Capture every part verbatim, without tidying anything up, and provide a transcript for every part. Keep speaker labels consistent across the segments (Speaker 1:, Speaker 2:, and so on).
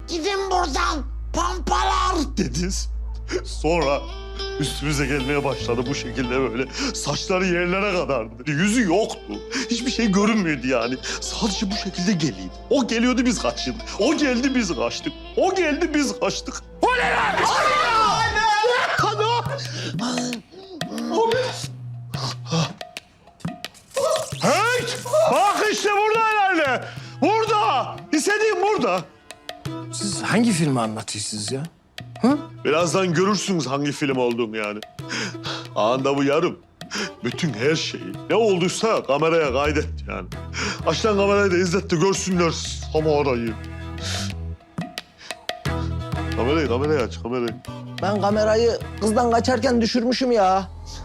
Speaker 1: Gidin buradan pampalar dediniz. Sonra üstümüze gelmeye başladı bu şekilde böyle. Saçları yerlere kadardı. Yüzü yoktu. Hiçbir şey görünmüyordu yani. Sadece bu şekilde geliyordu. O geliyordu biz kaçtık. O geldi biz kaçtık. O geldi biz kaçtık. O ne lan? Anne! Anne! Hey! Bak işte burada herhalde. Burada. İstediğim burada.
Speaker 2: Siz hangi filmi anlatıyorsunuz ya? Hı?
Speaker 1: Birazdan görürsünüz hangi film olduğunu yani. Anında bu yarım. Bütün her şeyi ne olduysa kameraya kaydet yani. Açtan kamerayı da izlet de görsünler Samara'yı. Kamerayı, kamerayı aç, kamerayı.
Speaker 2: Ben kamerayı kızdan kaçarken düşürmüşüm ya.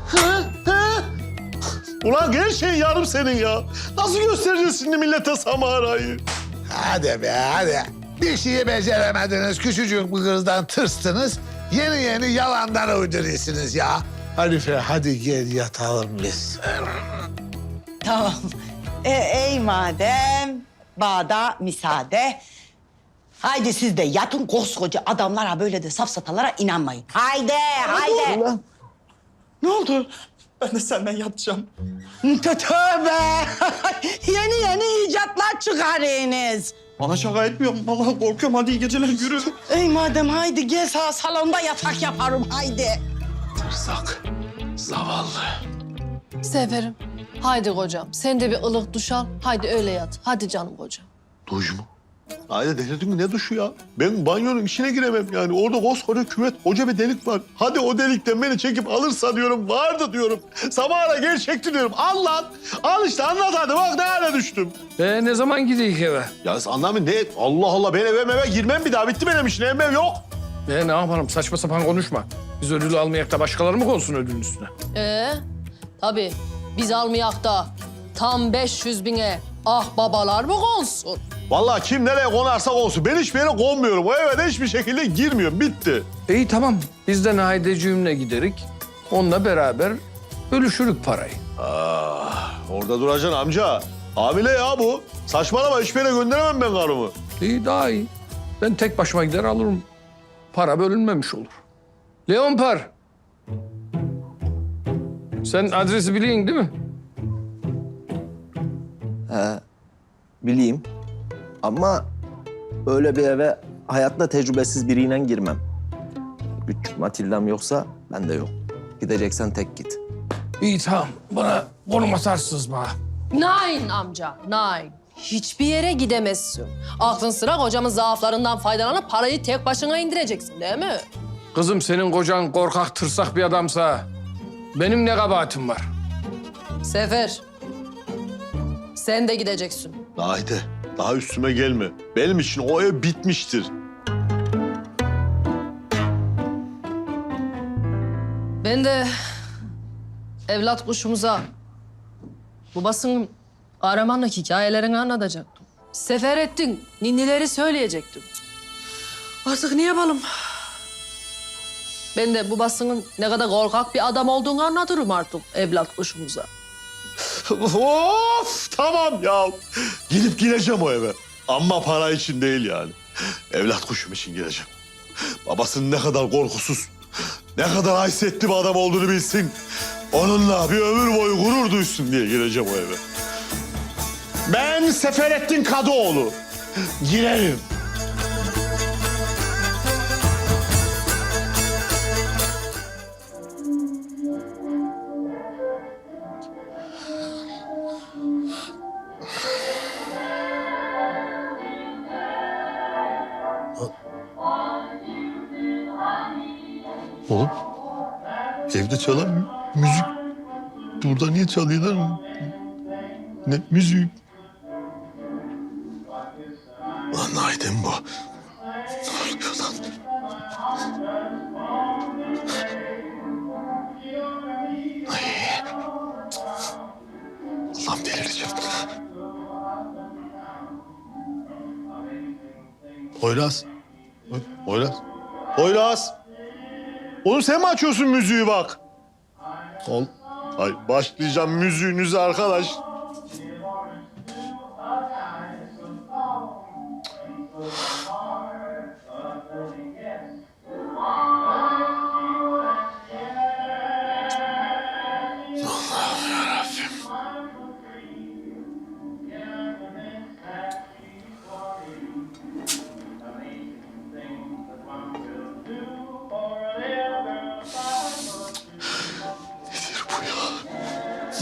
Speaker 1: Ulan her şey yarım senin ya. Nasıl göstereceğiz şimdi millete Samara'yı?
Speaker 3: Hadi be hadi. Bir şeyi beceremediniz. Küçücük bir kızdan tırstınız. Yeni yeni yalanlar uyduruyorsunuz ya. Hanife hadi gel yatalım biz.
Speaker 4: Tamam. E, ey madem bağda müsaade. Haydi siz de yatın, koskoca adamlara böyle de safsatalara inanmayın. Haydi, haydi.
Speaker 2: Ulan.
Speaker 4: Ne oldu?
Speaker 5: Ben de senden yatacağım.
Speaker 4: Tö- Tövbe. Yeni yeni icatlar çıkarıyorsunuz.
Speaker 5: Bana şaka etmiyorum. Vallahi korkuyorum. Hadi iyi geceler, yürü.
Speaker 4: Ey madem haydi gel sağ salonda yatak yaparım haydi.
Speaker 2: Tırsak, zavallı.
Speaker 6: Seferim. Haydi kocam. Sen de bir ılık duş al. Haydi öyle yat. Hadi canım kocam.
Speaker 1: Duş mu? Haydi delirdin mi? Ne duşu ya? Ben banyonun içine giremem yani. Orada koskoca küvet, koca bir delik var. Hadi o delikten beni çekip alırsa diyorum, vardı diyorum. Samara gerçekti diyorum. Al lan. Al işte anlat hadi. Bak ne hale düştüm.
Speaker 2: E ne zaman gideyim eve?
Speaker 1: Ya anlamı ne? Allah Allah ben eve eve girmem bir daha. Bitti benim işim. Ev yok.
Speaker 2: E ne yapalım? Saçma sapan konuşma. Biz ödülü almayak da başkaları mı konsun ödülün üstüne?
Speaker 6: Ee, tabii. Biz almayak da tam beş yüz bine ah babalar mı konsun?
Speaker 1: Vallahi kim nereye konarsa konsun. Ben hiçbir yere konmuyorum. O eve de hiçbir şekilde girmiyorum. Bitti.
Speaker 2: İyi tamam. Biz de Nahideciğimle giderik. Onunla beraber bölüşürük parayı.
Speaker 1: Ah, orada duracaksın amca. Hamile ya bu. Saçmalama hiçbir yere gönderemem ben karımı.
Speaker 2: İyi daha iyi. Ben tek başıma gider alırım. Para bölünmemiş olur. Leonpar. Sen adresi biliyorsun değil mi?
Speaker 7: Bileyim. Ama öyle bir eve hayatta tecrübesiz biriyle girmem. Küçük Matilda'm yoksa ben de yok. Gideceksen tek git.
Speaker 2: İyi tamam. Bana konum atarsınız bana.
Speaker 6: Nein amca, nein. Hiçbir yere gidemezsin. Aklın sıra kocamın zaaflarından faydalanıp parayı tek başına indireceksin değil mi?
Speaker 2: Kızım senin kocan korkak tırsak bir adamsa benim ne kabahatim var?
Speaker 6: Sefer. Sen de gideceksin.
Speaker 1: Haydi daha üstüme gelme. Benim için o ev bitmiştir.
Speaker 6: Ben de evlat kuşumuza babasının kahramanlık hikayelerini anlatacaktım. Sefer ettin, ninnileri söyleyecektim. Artık ne yapalım? Ben de babasının ne kadar korkak bir adam olduğunu anlatırım artık evlat kuşumuza.
Speaker 1: Of tamam ya. Gidip gireceğim o eve. Ama para için değil yani. Evlat kuşum için gireceğim. Babasının ne kadar korkusuz, ne kadar haysetli bir adam olduğunu bilsin. Onunla bir ömür boyu gurur duysun diye gireceğim o eve. Ben Seferettin Kadıoğlu. Girerim. Oğlum, evde çalan mü- müzik burada niye çalıyorlar? Ne müziği? Lan Naiden bu. Ne oluyor lan? Ay. Allah'ım delireceğim. Poyraz. Poyraz. Poyraz. Oğlum sen mi açıyorsun müziği bak? Ol. Ay başlayacağım müziğinize arkadaş.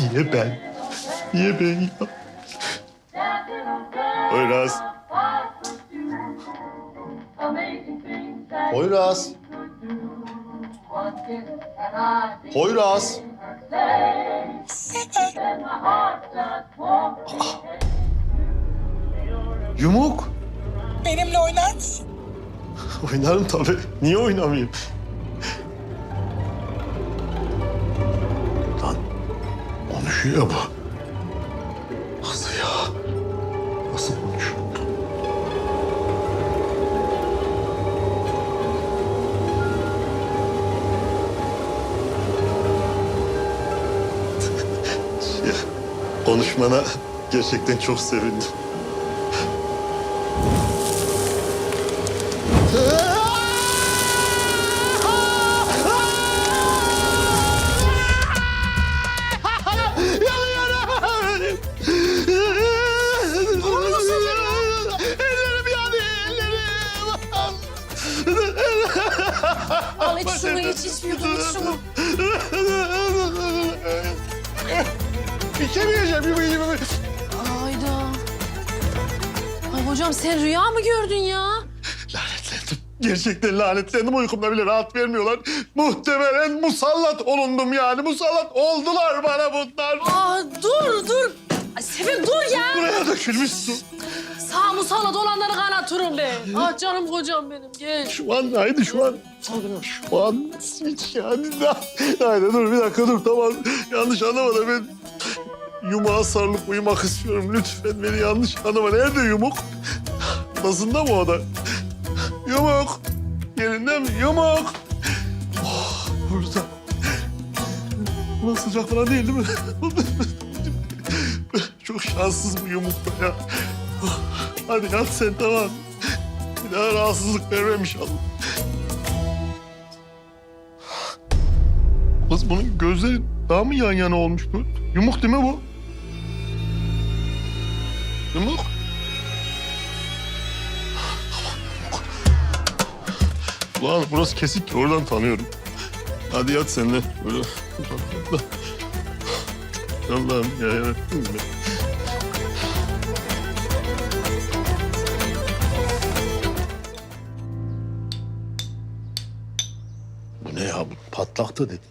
Speaker 1: Niye ben? Niye ben ya? Poyraz. Poyraz. Poyraz. Yumuk.
Speaker 8: Benimle oynar mısın?
Speaker 1: Oynarım tabii. Niye oynamayayım? Lan konuşuyor ya bu. Nasıl ya? Nasıl konuşuyor? Şey, konuşmana gerçekten çok sevindim. Ellerim yanıyor, ellerim.
Speaker 6: Al iç şunu, iç iç yudum iç şunu.
Speaker 1: İçemeyeceğim.
Speaker 6: Hayda. Ay hocam sen rüya mı gördün ya?
Speaker 1: Lanetlendim. Gerçekten lanetlendim. Uykumda bile rahat vermiyorlar. Muhtemelen musallat olundum yani. Musallat oldular bana bunlar.
Speaker 6: Aa dur dur. Ay Sefer dur ya.
Speaker 1: Buraya dökülmüş su.
Speaker 6: Sağ musallat olanları kanatırım ben. Ah canım kocam benim gel.
Speaker 1: Şu an haydi şu an. Şu an hiç yani. Haydi dur bir dakika dur tamam. Yanlış anlama da ben yumuğa sarılıp uyumak istiyorum. Lütfen beni yanlış anlama. Nerede yumuk? Nasılda mı o da? Yumuk. Yerinde mi? Yumuk. Oh, burada. Burası sıcak falan değil değil mi? Çok şanssız bu yumukta ya. Oh, hadi yat sen tamam. Bir daha rahatsızlık vermem inşallah. Kız bunun gözleri daha mı yan yana olmuş bu? Yumuk değil mi bu? Yumuk. Ulan burası kesik ki oradan tanıyorum. Hadi yat sen de. Böyle. Allah'ım ya yarattın mı? Bu ne ya? Bu patlaktı dedi.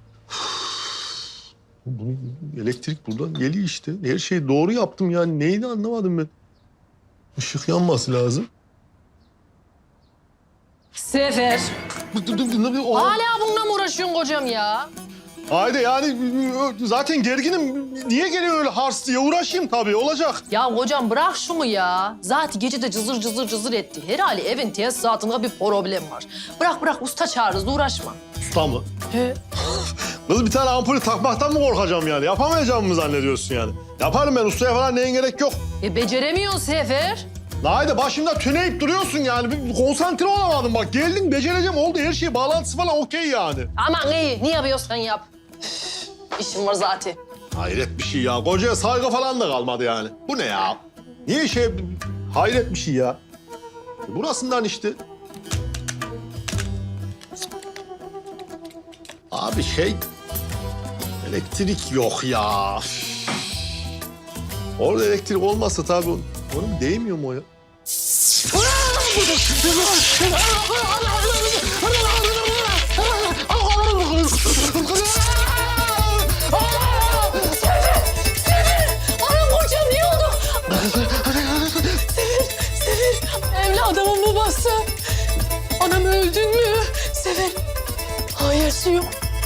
Speaker 1: Bunu elektrik buradan geliyor işte. Her şeyi doğru yaptım yani. Neyini anlamadım ben. Işık yanması lazım.
Speaker 6: Sefer.
Speaker 1: Dur, dur, dur, dur, o-
Speaker 6: Hala bununla mı uğraşıyorsun kocam ya?
Speaker 1: Haydi yani zaten gerginim. Niye geliyor öyle hars diye? Uğraşayım tabii olacak.
Speaker 6: Ya kocam bırak şunu ya. Zaten gece de cızır cızır cızır etti. Herhalde evin tesisatında bir problem var. Bırak bırak usta çağırırız uğraşma.
Speaker 1: Usta mı?
Speaker 6: He.
Speaker 1: Kız bir tane ampulü takmaktan mı korkacağım yani? Yapamayacağımı mı zannediyorsun yani? Yaparım ben ustaya falan neyin gerek yok.
Speaker 6: E beceremiyorsun Sefer.
Speaker 1: La haydi başımda tüneyip duruyorsun yani. Bir konsantre olamadım bak. Geldin becereceğim oldu her şey bağlantısı falan okey yani.
Speaker 6: Aman iyi ne yapıyorsan yap. Üf, İşim var zaten.
Speaker 1: Hayret bir şey ya. Kocaya saygı falan da kalmadı yani. Bu ne ya? Niye şey... Hayret bir şey ya. Burasından işte. Abi şey... Elektrik yok ya. Orada elektrik olmazsa tabii onun, onun değmiyor mu o ya?
Speaker 6: Anam kocam ne oldu? Sefer, Sefer. Evladımın babası. Anam öldün mü? Sefer. Hayır su yok.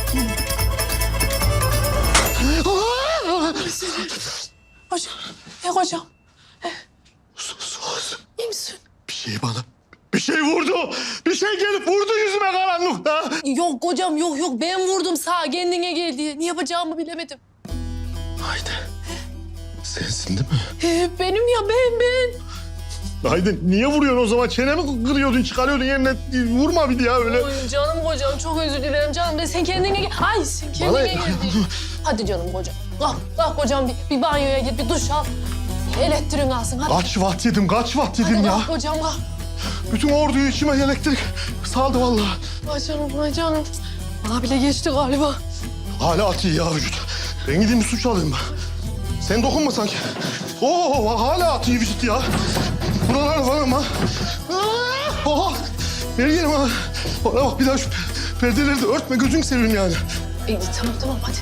Speaker 6: Hocam, e hocam.
Speaker 1: Sus, sus.
Speaker 6: İyi misin?
Speaker 1: Bir şey bana... Bir şey vurdu. Bir şey gelip vurdu yüzüme karanlıkta.
Speaker 6: Yok hocam yok yok ben vurdum sağ kendine gel diye. Ne yapacağımı bilemedim.
Speaker 1: Haydi. Sensin değil mi?
Speaker 6: Ee, benim ya ben ben.
Speaker 1: Haydi niye vuruyorsun o zaman? Çenemi kırıyordun, çıkarıyordun yerine. Vurma bir ya öyle.
Speaker 6: Oy canım kocam çok özür dilerim canım. De sen kendine gel. Ay sen kendine
Speaker 1: Bana-
Speaker 6: gel. Hadi canım kocam. Kalk, kalk kocam bir, bir banyoya git bir duş al. Elektriğin alsın hadi.
Speaker 1: Kaç watt yedim, kaç watt yedim
Speaker 6: Hadi
Speaker 1: ya.
Speaker 6: kalk kocam kalk.
Speaker 1: Bütün orduyu içime elektrik saldı vallahi.
Speaker 6: Ay canım ay canım. Bana bile geçti galiba.
Speaker 1: Hala atıyor ya vücut. Ben gideyim bir suç alayım ben. Sen dokunma sanki. Oo hala atıyor vücut ya. Buralar falan mı? Oha! Ver yerim ha. Bana bak bir daha şu perdeleri de örtme gözünü seveyim yani.
Speaker 6: İyi, tamam tamam hadi.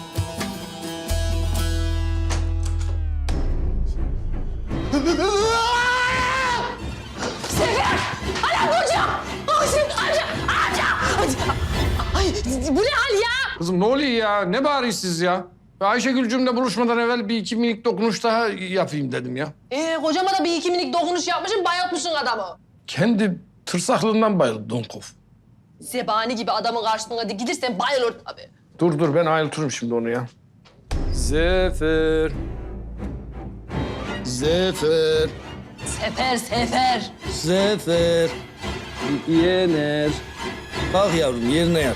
Speaker 6: Sefer! Anam kocam! Amca! Amca! Amca! Ay bu ne hal ya?
Speaker 2: Kızım ne oluyor ya? Ne bağırıyorsunuz siz ya? Ayşegül'cümle buluşmadan evvel bir iki minik dokunuş daha yapayım dedim ya.
Speaker 6: Ee, kocama da bir iki minik dokunuş yapmışsın, bayıltmışsın adamı.
Speaker 2: Kendi tırsaklıığından bayıldı Donkov.
Speaker 6: Zebani gibi adamın karşısına dikilirsen bayılır tabii.
Speaker 2: Dur dur ben ayıltırım şimdi onu ya. Zefer.
Speaker 9: Zefer,
Speaker 6: Sefer, sefer.
Speaker 9: Zefer, Yener. Kalk yavrum yerine yat.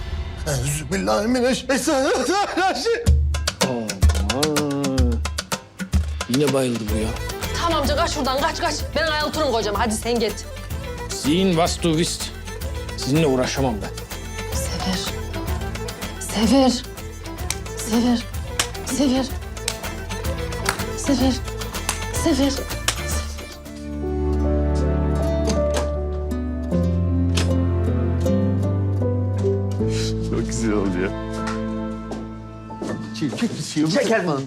Speaker 1: Euzubillahimineşşeytanirracim.
Speaker 9: Aman. Yine bayıldı bu ya.
Speaker 6: Tamam amca kaç şuradan kaç kaç. Ben ayıltırım kocama hadi sen git.
Speaker 2: Zihin was du bist. Sizinle uğraşamam ben.
Speaker 6: Sefer. Sefer. Sefer. Sefer. Sefer. Sefer.
Speaker 1: Çok güzel oldu ya.
Speaker 7: Çeker mi?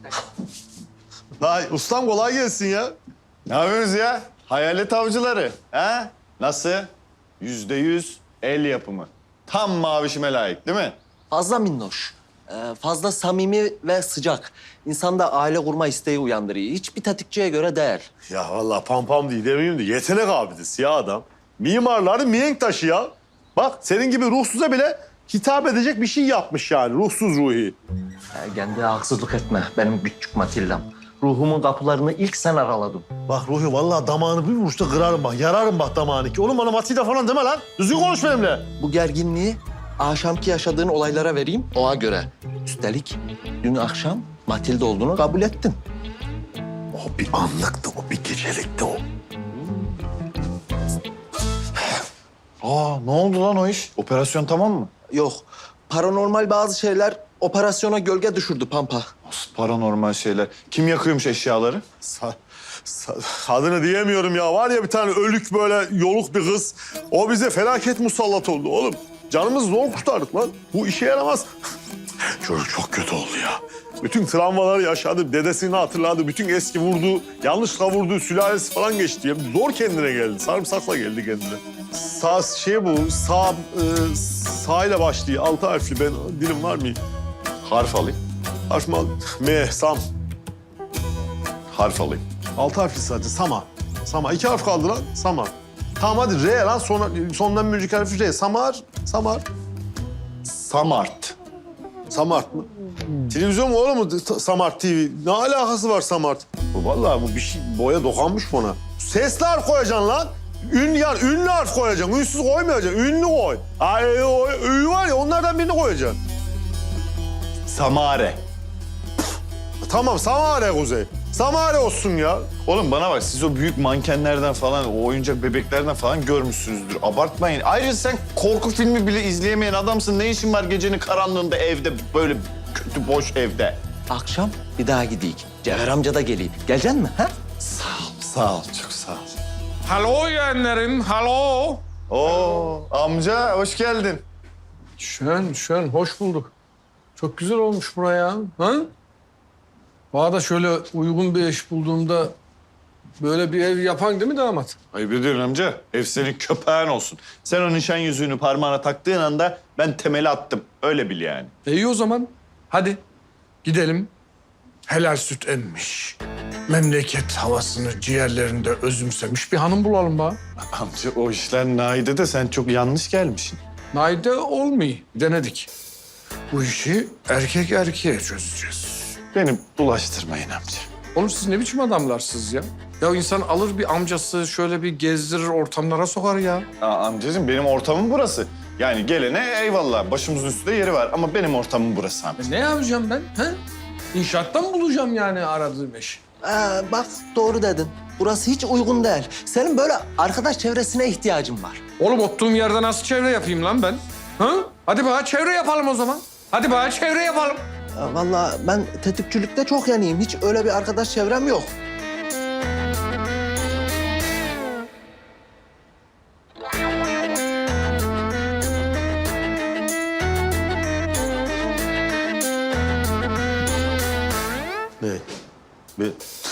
Speaker 1: Hay ustam kolay gelsin ya.
Speaker 10: Ne yapıyorsunuz ya? Hayalet avcıları. Ha? Nasıl? Yüzde yüz el yapımı. Tam mavişime layık değil mi?
Speaker 7: Fazla minnoş. Ee, fazla samimi ve sıcak. İnsanda aile kurma isteği uyandırıyor. Hiçbir tetikçiye göre değil.
Speaker 1: Ya vallahi pam pam değil demeyeyim de yetenek abidesi ya adam. Mimarların mihenk taşı ya. Bak senin gibi ruhsuza bile hitap edecek bir şey yapmış yani ruhsuz ruhi.
Speaker 7: Ee, kendine haksızlık etme benim küçük Matilda'm. Ruhumun kapılarını ilk sen araladın.
Speaker 1: Bak Ruhi vallahi damağını bir vuruşta kırarım bak. Yararım bak damağını ki. Oğlum bana Matilda falan deme lan. Düzgün konuş benimle.
Speaker 7: Bu gerginliği akşamki yaşadığın olaylara vereyim ona göre. Üstelik dün akşam Matilda olduğunu kabul ettin.
Speaker 1: O bir anlıktı, o bir gecelikti o.
Speaker 10: Aa ne oldu lan o iş? Operasyon tamam mı?
Speaker 7: Yok, paranormal bazı şeyler operasyona gölge düşürdü Pampa.
Speaker 10: Nasıl paranormal şeyler? Kim yakıyormuş eşyaları?
Speaker 1: Sa sa adını diyemiyorum ya. Var ya bir tane ölük böyle yoluk bir kız. O bize felaket musallat oldu oğlum. Canımızı zor kurtardık lan. Bu işe yaramaz. Çocuk çok kötü oldu ya. Bütün travmaları yaşadı, dedesini hatırladı. Bütün eski vurduğu, yanlışlıkla vurduğu sülalesi falan geçti. Ya. Zor kendine geldi. Sarımsakla geldi kendine. Sağ şey bu, sağ, e, sağ ile başlıyor. Altı harfli. Ben dilim var mı?
Speaker 10: Harf alayım.
Speaker 1: Harf mi al? M, Sam.
Speaker 10: Harf alayım.
Speaker 1: Altı harfli sadece. Sama. Sama. İki harf kaldı lan. Sama. Tamam hadi R lan. Sonra, sondan bir önceki harfi R. Samar. Samar.
Speaker 10: Samart.
Speaker 1: Samart mı? Televizyon mu oğlum mu? Samart T V. Ne alakası var Samart? Bu vallahi bu bir şey boya dokanmış buna. Sesli harf koyacaksın lan. Ün yani ünlü harf koyacaksın. Ünsüz koymayacaksın. Ünlü koy. Ay o ü var ya onlardan birini koyacaksın.
Speaker 10: Samare.
Speaker 1: Tamam Samare Kuzey. Samare olsun ya.
Speaker 10: Oğlum bana bak siz o büyük mankenlerden falan, o oyuncak bebeklerden falan görmüşsünüzdür. Abartmayın. Ayrıca sen korku filmi bile izleyemeyen adamsın. Ne işin var gecenin karanlığında evde, böyle kötü boş evde?
Speaker 7: Akşam bir daha gideyim. Cevher amca da geleyim. Geleceksin mi? Ha?
Speaker 10: Sağ ol, sağ ol, çok sağ ol.
Speaker 2: Halo yeğenlerim, halo.
Speaker 10: Oo, amca hoş geldin.
Speaker 2: Şön, şön, hoş bulduk. Çok güzel olmuş buraya. Ha? Bana da şöyle uygun bir eş bulduğumda böyle bir ev yapan değil mi damat?
Speaker 10: Ayıp ediyorsun amca. Ev senin köpeğin olsun. Sen o nişan yüzüğünü parmağına taktığın anda ben temeli attım. Öyle bil yani.
Speaker 2: E iyi o zaman. Hadi gidelim. Helal süt emmiş. Memleket havasını ciğerlerinde özümsemiş bir hanım bulalım bana.
Speaker 10: Amca o işler Naide de sen çok yanlış gelmişsin.
Speaker 2: Naide olmuyor. Denedik. Bu işi erkek erkeğe çözeceğiz.
Speaker 10: Beni bulaştırmayın amca.
Speaker 2: Oğlum siz ne biçim adamlarsınız ya? Ya insan alır bir amcası şöyle bir gezdirir ortamlara sokar ya.
Speaker 10: Aa, amcacığım benim ortamım burası. Yani gelene eyvallah başımızın üstünde yeri var ama benim ortamım burası amca.
Speaker 2: E ne yapacağım ben? He? İnşaattan mı bulacağım yani aradığım eşi?
Speaker 7: Ee, bak doğru dedin. Burası hiç uygun değil. Senin böyle arkadaş çevresine ihtiyacın var.
Speaker 2: Oğlum oturduğum yerde nasıl çevre yapayım lan ben? Ha? Hadi bana çevre yapalım o zaman. Hadi bana çevre yapalım.
Speaker 7: Ya vallahi ben tetikçilikte çok yanıyım. Hiç öyle bir arkadaş çevrem yok.
Speaker 1: Ne? Ben...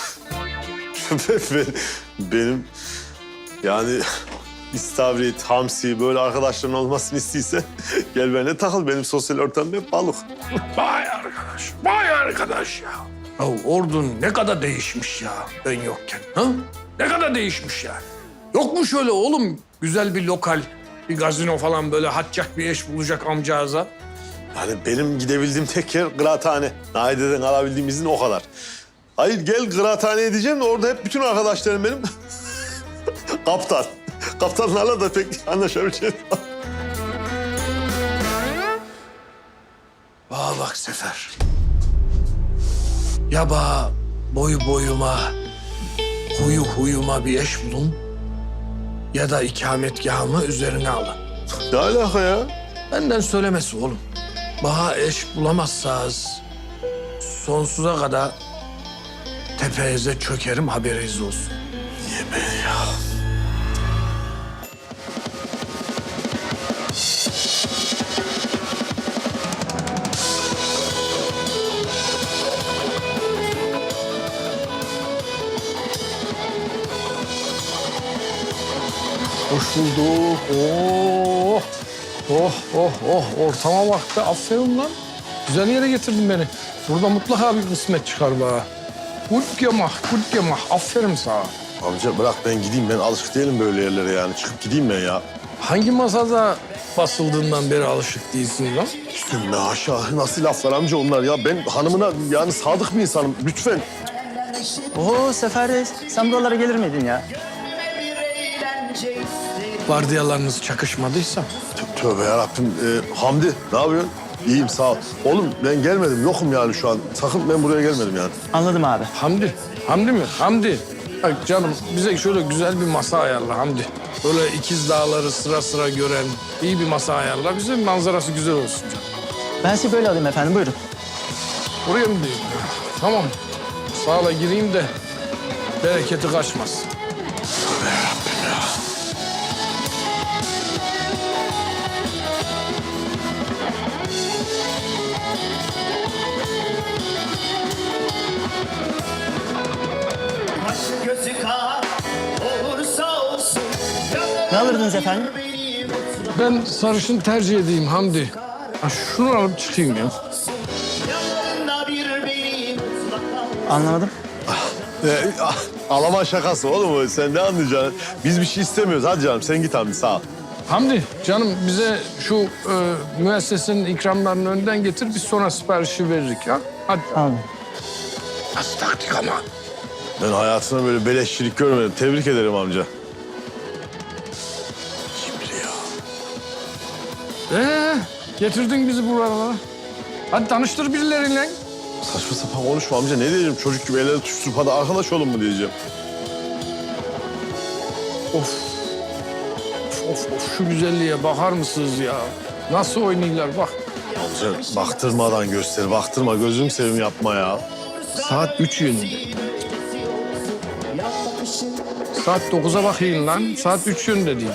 Speaker 1: ben, benim yani istavrit, hamsi böyle arkadaşların olmasını istiyse gel benimle takıl. Benim sosyal ortamım hep balık.
Speaker 2: Vay arkadaş, vay arkadaş ya. Ya ordun ne kadar değişmiş ya ben yokken. Ha? Ne kadar değişmiş ya. Yok mu şöyle oğlum güzel bir lokal, bir gazino falan böyle hatçak bir eş bulacak amcağıza?
Speaker 1: Yani benim gidebildiğim tek yer kıraathane. Naide'den alabildiğim izin o kadar. Hayır gel kıraathaneye diyeceğim de orada hep bütün arkadaşlarım benim kaptan. Kaptanlarla da pek anlaşabileceğim.
Speaker 2: Bana bak Sefer. Ya bana boyu boyuma, huyu huyuma bir eş bulun ya da ikametgahımı üzerine alın.
Speaker 1: Ne alaka ya?
Speaker 2: Benden söylemesi oğlum. Bana eş bulamazsanız sonsuza kadar tepenize çökerim haberiniz olsun.
Speaker 1: Niye ben ya?
Speaker 2: Hoş bulduk. Oh, oh, oh, oh. Ortama bak be. Aferin lan. Güzel yere getirdin beni. Burada mutlaka bir kısmet çıkar bana. Gut gemacht, gut gemacht. Aferin sana.
Speaker 1: Amca bırak ben gideyim. Ben alışık değilim böyle yerlere yani. Çıkıp gideyim ben ya.
Speaker 2: Hangi masada basıldığından beri alışık değilsin lan?
Speaker 1: Üstüme aşağı nasıl laflar amca onlar ya. Ben hanımına yani sadık bir insanım. Lütfen.
Speaker 5: Oo Sefer Reis, sen buralara gelir miydin ya?
Speaker 2: Vardiyalarınız çakışmadıysa.
Speaker 1: Tö- Tövbe yarabbim. Ee, Hamdi ne yapıyorsun? İyiyim sağ ol. Oğlum ben gelmedim. Yokum yani şu an. Sakın ben buraya gelmedim yani.
Speaker 5: Anladım abi.
Speaker 2: Hamdi. Hamdi mi? Hamdi. Bak canım bize şöyle güzel bir masa ayarla Hamdi. Böyle ikiz dağları sıra sıra gören iyi bir masa ayarla. Bize manzarası güzel olsun canım.
Speaker 5: Ben sizi böyle alayım efendim, buyurun.
Speaker 2: Buraya mı diyeyim? Tamam. Sağla gireyim de bereketi kaçmaz.
Speaker 5: Ne alırdınız efendim?
Speaker 2: Ben sarışın tercih edeyim Hamdi. Ha, şunu alıp çıkayım ya.
Speaker 5: Anlamadım.
Speaker 1: Ee, Alaman şakası oğlum o. Sen ne anlayacaksın? Biz bir şey istemiyoruz. Hadi canım sen git Hamdi sağ ol.
Speaker 2: Hamdi canım bize şu e, müessesenin ikramlarını önden getir. Biz sonra siparişi veririk ya. Hadi.
Speaker 5: Anladım.
Speaker 2: Nasıl taktik ama?
Speaker 1: Ben hayatımda böyle beleşçilik görmedim. Tebrik ederim amca.
Speaker 2: Ee, getirdin bizi buralara. Hadi tanıştır birileriyle.
Speaker 1: Saçma sapan konuşma amca. Ne diyeceğim? Çocuk gibi elleri tutuşturup hadi arkadaş olun mu diyeceğim.
Speaker 2: Of. Of, of, of. Şu güzelliğe bakar mısınız ya? Nasıl oynuyorlar bak.
Speaker 1: Amca baktırmadan göster. Baktırma. Gözüm sevim yapma ya.
Speaker 2: Saat üç yönünde. Saat dokuza bakayım lan. Saat üç yönünde değil.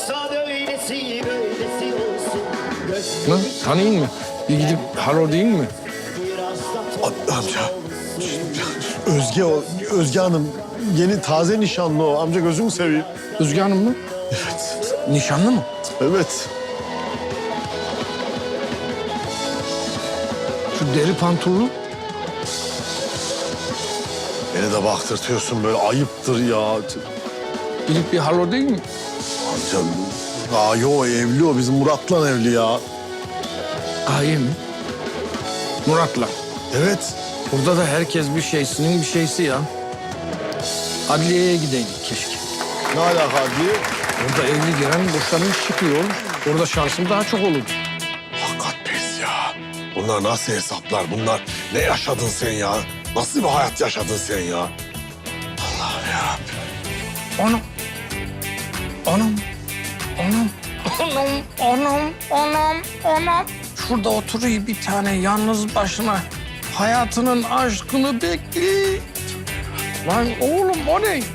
Speaker 2: Lan tanıyın mı? Bir gidip halo deyin mi?
Speaker 1: A- amca. Özge o. Özge Hanım. Yeni taze nişanlı o. Amca gözümü seveyim.
Speaker 2: Özge Hanım mı?
Speaker 1: Evet.
Speaker 2: Nişanlı mı?
Speaker 1: Evet.
Speaker 2: Şu deri pantolonu.
Speaker 1: Beni de baktırtıyorsun böyle. Ayıptır ya.
Speaker 2: Gidip bir halo değil mi?
Speaker 1: Amca. Aa yo evli o. Bizim Murat'la evli ya.
Speaker 2: Gaye mi? Murat'la.
Speaker 1: Evet.
Speaker 2: Burada da herkes bir şeysinin bir şeysi ya. Adliyeye gideydik keşke.
Speaker 1: Ne alaka diye.
Speaker 2: Orada evli giren boşanmış çıkıyor. Orada şansım daha çok olur.
Speaker 1: Hakikat pes ya. Bunlar nasıl hesaplar? Bunlar ne yaşadın sen ya? Nasıl bir hayat yaşadın sen ya? Allah'ım yarabbim.
Speaker 2: Anam. Anam. Anam. Anam. Anam. Anam. Anam. Şurada oturuyor bir tane yalnız başına. hayatının aşkını bekle. Lan oğlum o ne?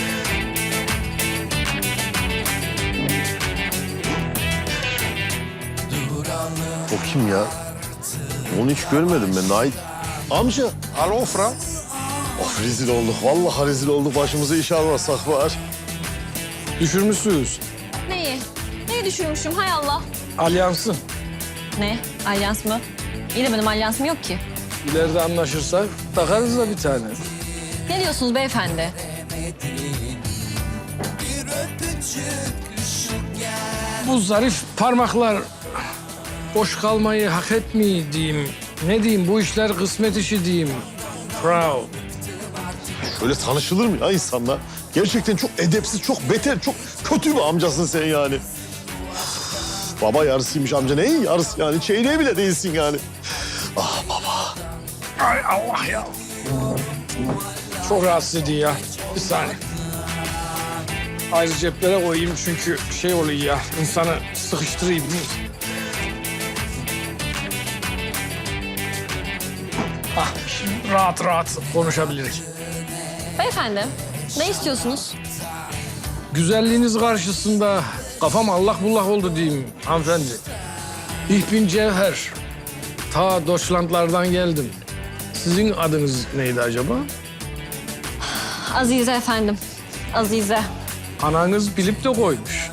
Speaker 1: O kim ya? Onu hiç görmedim ben. Nait. Amca.
Speaker 2: Alo Fırat.
Speaker 1: Of rezil olduk. Vallahi rezil olduk. Başımıza iş almasak var.
Speaker 2: Düşürmüşsünüz
Speaker 11: Neyi? Neyi düşürmüşüm hay Allah?
Speaker 2: alyansı.
Speaker 11: Ne? Alyans mı? İyi de benim alyansım yok ki.
Speaker 2: İleride anlaşırsak takarız da bir tane.
Speaker 11: Ne diyorsunuz beyefendi?
Speaker 2: Bu zarif parmaklar boş kalmayı hak etmiyor diyeyim. Ne diyeyim, bu işler kısmet işi diyeyim. Proud.
Speaker 1: Şöyle tanışılır mı ya insanla? Gerçekten çok edepsiz, çok beter, çok kötü bir amcasın sen yani. Üf, baba yarısıymış amca. Neyin yarısı yani? Çeyreği bile değilsin yani. Ah baba.
Speaker 2: Ay Allah ya. Çok rahatsız ediyor ya. Bir saniye. Ayrı ceplere koyayım çünkü şey oluyor ya, insanı sıkıştırayım. Ah, şimdi rahat rahat konuşabiliriz.
Speaker 11: Beyefendi, ne istiyorsunuz?
Speaker 2: Güzelliğiniz karşısında kafam allak bullak oldu diyeyim hanımefendi. Ich bin Cevher. Ta Deutschlandlardan geldim. Sizin adınız neydi acaba?
Speaker 11: Azize efendim, Azize.
Speaker 2: Ananız bilip de koymuş.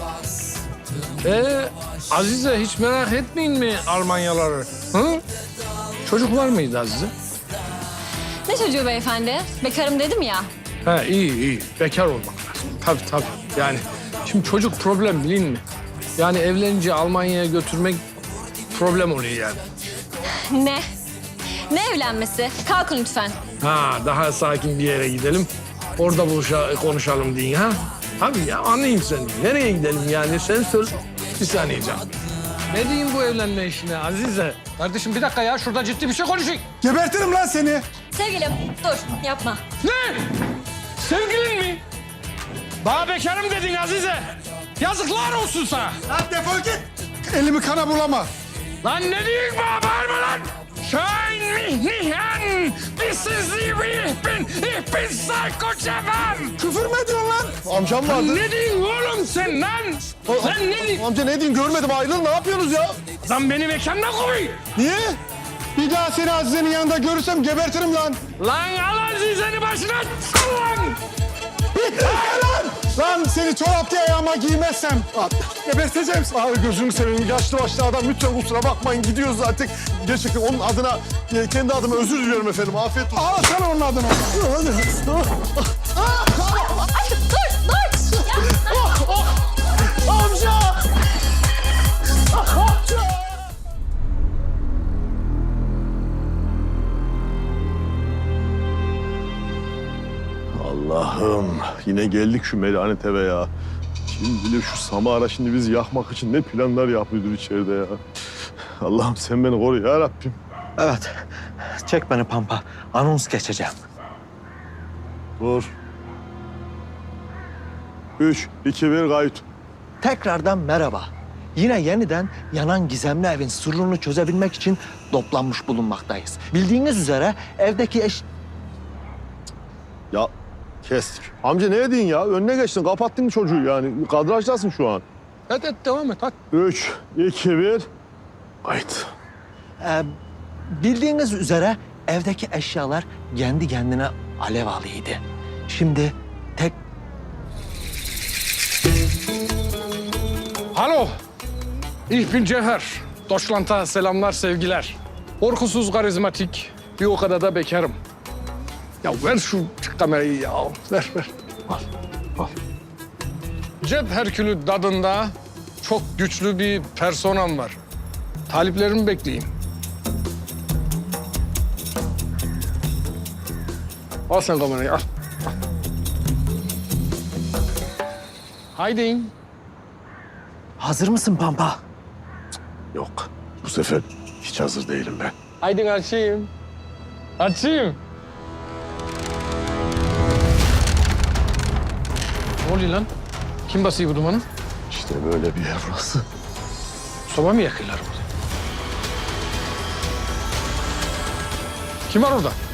Speaker 2: Ee, Azize hiç merak etmeyin mi Almanyaları? Hı? Çocuk var mıydı Azize?
Speaker 11: Ne çocuğu beyefendi? Bekarım dedim ya.
Speaker 2: Ha iyi iyi. Bekar olmak lazım. Tabii tabii. Yani şimdi çocuk problem bilin mi? Yani evlenince Almanya'ya götürmek problem oluyor yani.
Speaker 11: Ne? Ne evlenmesi? Kalkın lütfen.
Speaker 2: Ha daha sakin bir yere gidelim. Orada buluşa, konuşalım deyin ha. Tabii ya anlayayım seni. Nereye gidelim yani? Sen söz. Bir saniye canım. Ne diyeyim bu evlenme işine Azize? Kardeşim bir dakika ya. Şurada ciddi bir şey konuşayım.
Speaker 5: Gebertirim lan seni.
Speaker 11: Sevgilim, dur yapma.
Speaker 2: Ne? Sevgilin mi? Bana bekarım dedin Azize. Yazıklar olsun sana.
Speaker 5: Lan defol git. Elimi kana bulama.
Speaker 2: Lan ne diyorsun bana bağırma lan? Schein mich nicht an! Wissen Sie, wie ich bin? Ich bin Psycho Cevher!
Speaker 5: Küfür mü ediyorsun lan?
Speaker 1: Amcam vardı.
Speaker 2: Ne diyorsun oğlum sen lan? Sen ne diyorsun?
Speaker 1: Amca ne diyeyim görmedim ayrılın ne yapıyorsunuz ya?
Speaker 2: Lan beni mekandan koy!
Speaker 5: Niye? Bir daha seni Azize'nin yanında görürsem gebertirim lan.
Speaker 2: Lan al Azize'ni başına sal lan!
Speaker 5: lan! Lan seni çorap diye ayağıma giymezsem geberteceğim seni.
Speaker 1: Abi gözünü seveyim yaşlı başlı adam lütfen kusura bakmayın gidiyoruz zaten. Gerçekten onun adına e, kendi adıma özür diliyorum efendim afiyet olsun.
Speaker 5: Al sana onun adını.
Speaker 11: Ay, dur, dur! Ya,
Speaker 1: Amca! Allah'ım yine geldik şu melanet eve ya. Kim bilir şu Samara şimdi bizi yakmak için ne planlar yapıyordur içeride ya. Allah'ım sen beni koru ya Rabbim.
Speaker 7: Evet. Çek beni Pampa. Anons geçeceğim.
Speaker 1: Dur. Üç, iki, bir, kayıt.
Speaker 7: Tekrardan merhaba. Yine yeniden yanan gizemli evin sırrını çözebilmek için toplanmış bulunmaktayız. Bildiğiniz üzere evdeki eş...
Speaker 1: Ya kestik. Amca ne edin ya? Önüne geçtin, kapattın çocuğu yani. Kadrajdasın şu an.
Speaker 2: Hadi hadi devam et hadi.
Speaker 1: Üç, iki, bir, kayıt.
Speaker 7: Ee, bildiğiniz üzere evdeki eşyalar kendi kendine alev alıydı. Şimdi tek...
Speaker 2: Alo. Ich bin Cevher. Deutschland'a selamlar, sevgiler. Korkusuz, karizmatik, bir o kadar da bekarım. Ya ver şu kamerayı ya. Ver, ver. Al, al. Cep Herkülü dadında çok güçlü bir personam var. Taliplerimi bekleyeyim. Al sen kamerayı, al. al. Haydi.
Speaker 7: Hazır mısın Pampa?
Speaker 1: Yok, bu sefer hiç hazır değilim ben.
Speaker 2: Haydi açayım. Açayım. Ne oluyor lan? Kim basıyor bu dumanı?
Speaker 1: İşte böyle bir yer burası.
Speaker 2: Soba mı yakıyorlar burada? Kim var orada?